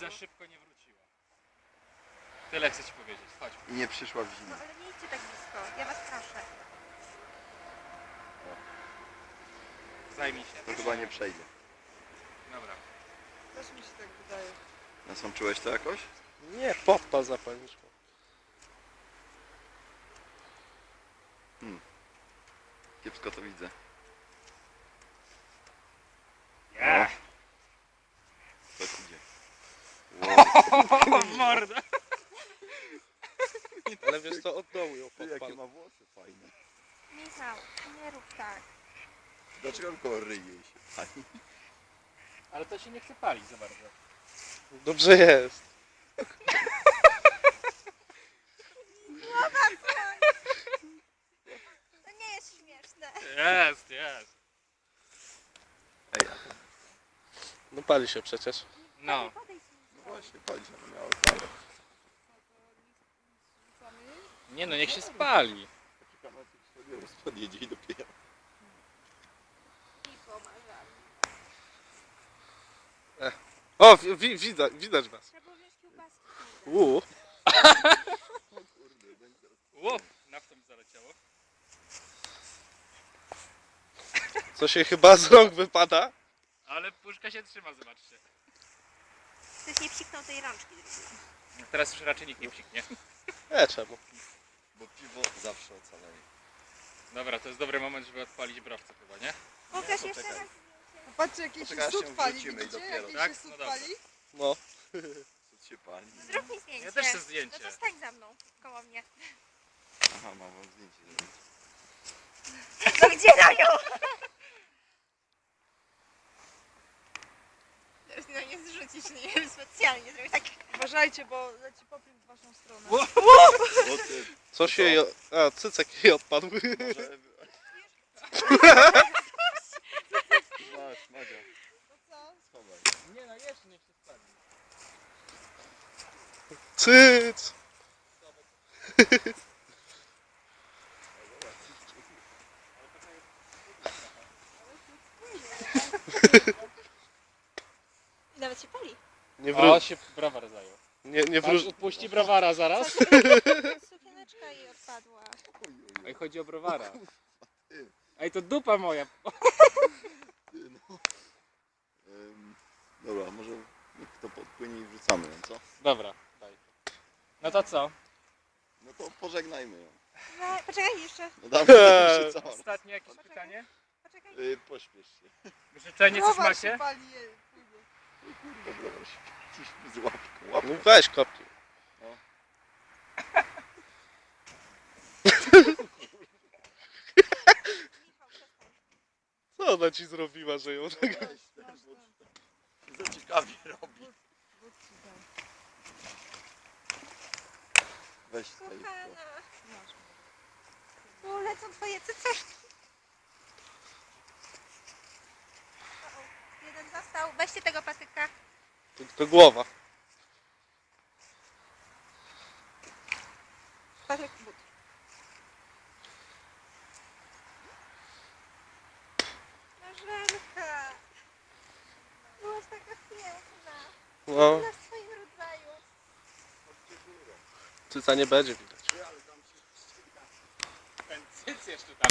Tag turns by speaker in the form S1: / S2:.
S1: za szybko nie wróciła. Tyle chcę ci powiedzieć. Chodź.
S2: I nie przyszła w
S3: No
S2: zimę.
S3: ale nie idźcie tak blisko, ja was proszę.
S1: Zajmij się.
S2: To chyba nie przejdzie.
S1: Dobra.
S4: Też mi się tak wydaje.
S2: Nasączyłeś to jakoś?
S5: Nie, podpal zapalniczką.
S2: Kiepsko to widzę.
S1: Yeah.
S2: To idzie.
S1: O, morda.
S5: Ale wiesz co, od dołu ją
S2: Ty, jakie
S5: podpal.
S2: ma włosy fajne.
S3: Michał, nie rób tak.
S2: Dlaczego tylko ryje się pani?
S1: Ale to się nie chce palić za bardzo.
S5: Dobrze jest.
S3: To nie jest śmieszne.
S1: Jest, jest.
S2: Ej,
S5: No pali się przecież.
S1: No.
S3: Podejdź mi.
S2: no właśnie, pani się miała fajne.
S1: Nie no, niech się spali.
S2: Poczekamy, aż się sobie rozpadjedzie i dopiero.
S3: I pomarzamy.
S5: O, widać was.
S3: Trzeba było wziąć kiełbaski.
S5: Uuu.
S2: O kurde, będzie
S1: Łop, naftą mi zaleciało.
S5: Co się chyba z rąk wypada?
S1: Ale puszka się trzyma, zobaczcie.
S3: Ktoś nie psiknął tej rączki drugiej.
S1: Teraz już raczej nikt nie psiknie.
S5: Czemu?
S2: Bo piwo zawsze ocaleje.
S1: Dobra, to jest dobry moment, żeby odpalić browce chyba, nie?
S3: Pokaż
S2: Nie,
S3: jeszcze
S2: poczekaj.
S3: raz.
S4: Patrzcie, jakiś
S2: Poczekaj, aż
S4: sód
S2: się
S4: pali,
S2: wrzucimy i
S4: widzicie?
S2: dopiero.
S4: Jakiś
S1: Tak?
S4: się sód
S1: No dobra.
S4: pali?
S5: No.
S2: Co się pali?
S3: Zrób mi zdjęcie.
S1: Ja też chcę zdjęcie.
S3: No to stań za mną, koło mnie.
S2: Aha, mam wam zdjęcie zrobić.
S3: No gdzie na nią? Teraz na nie zrzucić, nie wiem, specjalnie zrobić tak.
S4: Uważajcie, bo leci popiół w waszą stronę.
S1: Ło-
S2: O ty,
S5: Co się jej... A, cycek jej odpadł.
S2: może... Masz, Madzia,
S4: To co?
S2: schowaj.
S1: Nie no, jeszcze niech się spali.
S5: Cyc!
S3: I nawet się pali.
S5: Nie
S1: O,
S5: wróć.
S1: się browar zajął.
S5: Nie
S1: Patrz,
S5: wróć.
S1: odpuści browara zaraz.
S3: Sukieneczka jej odpadła.
S1: Ej, chodzi o browara. Ej, to dupa moja.
S2: Ty, no. Dobra, może niech to podpłynie i wrzucamy ją, co?
S1: Dobra, daj. No to co?
S2: No to pożegnajmy ją.
S3: No, poczekaj jeszcze.
S2: No dawaj, jeszcze co?
S1: Ostatnie jakieś pytanie?
S3: Poczekaj.
S2: Pośpiesz się.
S1: Życzenie coś
S4: Browar się
S1: macie?
S4: pali, jej.
S2: Kurde, dobra, się gdzieś z łapką.
S5: No weź kopnij.
S3: Michał, przestań.
S5: Co ona ci zrobiła, że ją tak...
S2: Weź ten, bo za ciekawie robi.
S4: Wódź ci dam.
S2: Weź tutaj.
S3: Kochana.
S4: Masz.
S3: Tu lecą twoje cyceczki. Jeden został. Weźcie tego patyka.
S5: To głowa.
S3: Patyk but. Marzenka. Byłaś taka piękna.
S5: No,
S3: Na swoim rodzaju.
S5: cyca nie będzie widać.